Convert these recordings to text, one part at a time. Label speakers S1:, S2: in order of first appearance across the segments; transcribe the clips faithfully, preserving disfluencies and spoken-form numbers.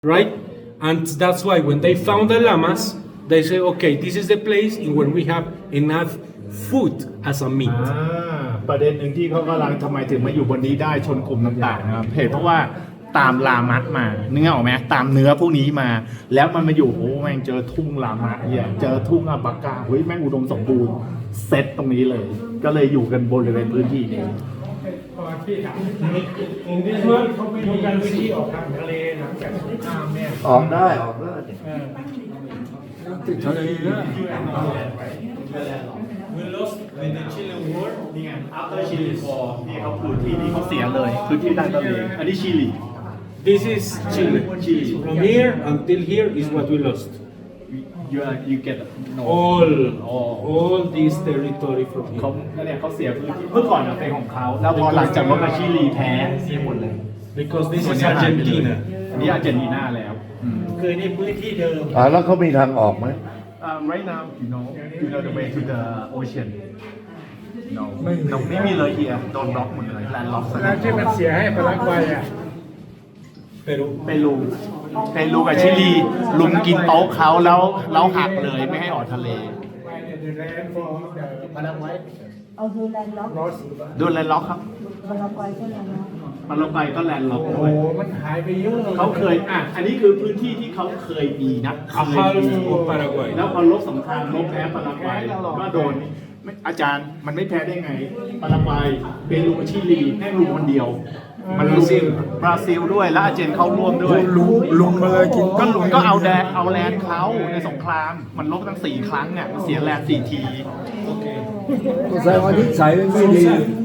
S1: right? And that's why when they found the llamas, they say, okay, this is the place in where we have enough food as a meat.
S2: อ่าประเด็นหนึ่งที่เขากำลังทำไมถึงมาอยู่บนนี้ได้ชนกลุ่มต่างๆนะครับเหตุเพราะว่าตามลามัดมาเนื้อออกไหมตามเนื้อพวกนี้มา แล้วมันมาอยู่โอ้แม่งเจอทุ่งลามะเนี่ยเจอทุ่งอัลปาก้าเฮ้ยแม่งอุดมสมบูรณ์เซตตรงนี้เลย ก็เลยอยู่กันบริเวณพื้นที่นี้
S1: In this one, you can see ออกทางทะเลหลังจากสงครามเนี่ย
S3: ออกได้ออกได้ติดทะเลนะ
S1: We lost in the Chilean War.
S2: นี่ไง after Chile war นี่เขาพื้นที่นี้เขาเสียเลยพื้นที่ด้านทะเลอันนี้ชิลี
S1: This is Chile. From here until here is what we lost.
S2: you are you get no
S1: All,
S2: all
S1: all this territory from
S2: เขา
S1: here.
S2: เนี่ยเขาเสียพื้นที่เมื่อก่อนเป็นของเขาแล้วพอหลังจากรบกับชิลีแพ้เสียหมดเลย
S1: Because this is Argentina.
S2: อันนี้อาร์เจนตินาแล้ว
S4: คือในพื้นที่เดิม
S3: อ่าแล้วเขามีทางออกไหม
S2: Um, right now you know you know the way to the ocean no no ไม่มีเลยเฮียโดนบล็อกหมดเลยแลนด์ล็อก
S4: แล้วที่มันเสียให้ปารากวัยอ่ะ
S1: Peru.
S2: เปรูเปรูกับชิลีลุมกินโต๊ะเขาแล้วแล้วหักเลยไม่ให้ออกทะเล
S4: ปารากวัย
S5: เอาดูแลนด์ล็อก
S2: โดนแลนด์ล็อกครับ
S5: บารากวัยก็แลนด์ล็อก
S2: มาลงไปก็แลนด์ล็อก
S4: โอ้
S2: ด้วย
S4: โหมันหายไปเยอะเลย
S2: เขาเคยอ่ะอันนี้คือพื้นที่ที่เขาเคยมีนะ
S1: A
S2: เคย
S1: half
S2: มี
S1: of Paraguay.
S2: แล้วพอลบสงครามลบแพ้ปารากวัยก็โดนไม่อาจารย์มันไม่แพ้ได้ไงปารากวัยเปรูกับชิลีแม่งลุมคนเดียว มันลุมบราซิลด้วยแล้วอาร์เจนเข้าร่วมด้วย
S3: ลุมลุมมาเลยกิน
S2: ก็ลุมก็เอาแดนเอาแลนด์เขาในสงคราม มันลบตั้งสี่ครั้งเนี่ยมันเสียแลนด์สี่ที
S3: แสดงว่านิสัยมันไม่ดี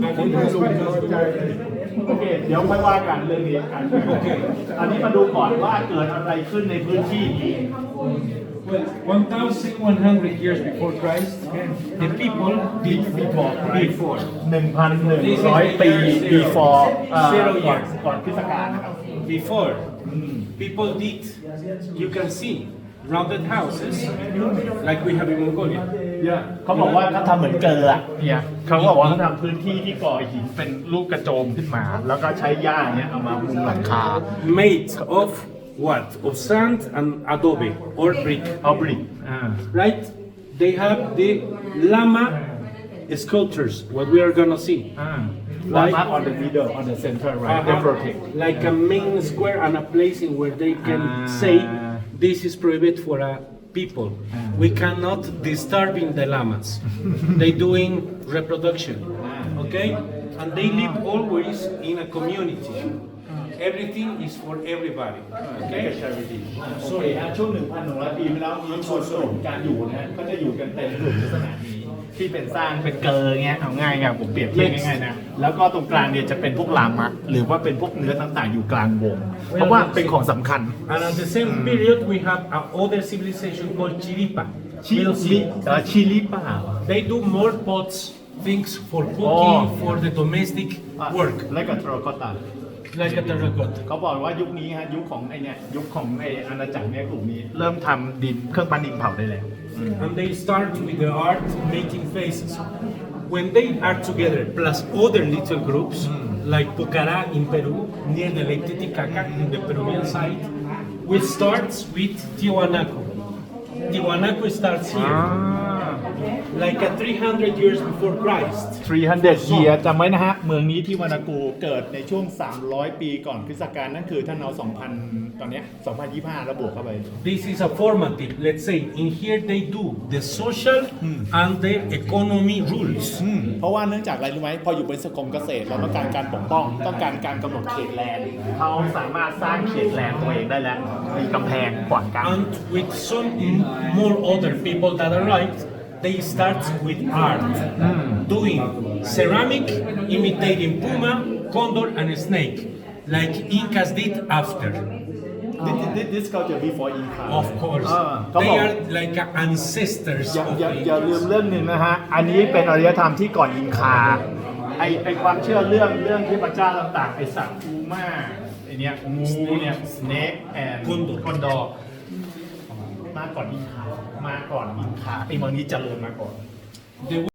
S2: โอเค เดี๋ยวค่อยว่ากันเรื่องนี้กันโอเคอันนี้มาดูก่อนว่าเกิดอะไรขึ้นในพื้นที่นี้
S1: Well, one thousand one hundred years before Christ, the people did before. before.
S2: หนึ่งพันหนึ่งร้อยปี before เอ่อ
S1: Zero
S2: ก่อน
S1: years.
S2: ก่อนคริสตกาลนะครับ
S1: Before, people did, you can see, rounded houses like we have in Mongolia.
S2: เนี่ยเขาบอกว่าเขาทำเหมือนเกลืออะเนี่ยเขาบอกว่าเขาทำพื้นที่ที่ก่อหินเป็นรูปกระโจมขึ้นมา แล้วก็ใช้หญ้าเนี่ยเอามามุงหลังคา
S1: Made of what? Of sand and adobe or brick.
S2: เอาบริกอ่า
S1: Right? They have the llama sculptures, what we are gonna see.
S2: อ่า Lama on the middle on the center right they
S1: Uh-huh.
S2: protect
S1: Like a main square and a place in where they can
S2: Ah.
S1: say this is prohibited for a people. We cannot disturbing the llamas. They doing reproduction, okay? And they live always in a community. Everything is for everybody,
S2: โอเค
S1: okay?
S2: charity โอเคฮะช่วง หนึ่งพันหนึ่งร้อย ปีมาแล้วมีชนกลุ่มการอยู่นะฮะก็จะอยู่กันเป็นกลุ่มลักษณะนี้ที่เป็นสร้างเป็นเกลอเงี้ยเอาง่ายไงผมเปรียบเทียบง่ายๆนะแล้วก็ตรงกลางเนี่ยจะเป็นพวกลามะหรือว่าเป็นพวกเนื้อต่างๆอยู่กลางวง เพราะว่าเป็นของสำคัญ
S1: And at the same period, we have another civilization called Chiripa.
S2: ชิ
S1: We'll
S2: ลิ
S1: see.
S2: เอ่อชิลิป่า
S1: They do more pots, things for cooking,
S2: Oh.
S1: for the domestic
S2: อ่ะ
S1: work,
S2: และกับทรกตา
S1: like a terracotta.
S2: เขาบอกว่ายุคนี้ฮะยุคของไอเนี่ยยุคของไออาณาจักรเนี่ยกลุ่มนี้ เริ่มทำดินเครื่องปั้นดินเผาได้แล้ว
S1: And they start with the art making faces. When they are together, plus other little groups, like Pucará in Peru, near the Lake Titicaca, in the Peruvian side, we start with Tiwanaku. Tiwanaku starts here, like a three hundred years before Christ.
S2: สามร้อย year จำไว้นะฮะ เมืองนี้ที่วานากูเกิดในช่วง สามร้อย ปีก่อนคริสตกาลนั่นคือท่านเอา สองพัน ตอนเนี้ยสองพันยี่สิบห้าระบวกเข้าไป
S1: This is a formative. Let's say in here they do the social and the economy rules.
S2: เพราะว่าเนื่องจากอะไรรู้ไหมพออยู่บนสกรมเกษตรเราต้องการการปกป้อง ต้องการการกำหนดเขตแลนด์เขาสามารถสร้างเขตแลนด์ตัวเองได้แล้ว มีกำแพงขวางกั้น
S1: And with some more other people that arrived, they start with art, doing ceramic, imitating puma, condor, and snake, like Incas did after.
S2: This this this culture before Inca
S1: Of course,
S2: อ่าเขาบ
S1: they
S2: อก
S1: are like ancestors
S2: อย่า
S1: of
S2: อย่า
S1: the
S2: อย่าลืมเรื่องหนึ่งนะฮะ อันนี้เป็นอารยธรรมที่ก่อนอินคา ไอไอความเชื่อเรื่องเรื่องที่พระเจ้าต่างๆ ไอสัตว์อูมาไอเนี้ยงูเนี่ย snake and
S1: คอนโด
S2: คอนดอร์มาก่อนอินคา มาก่อนอินคาไอเมืองนี้เจริญมาก่อน
S1: The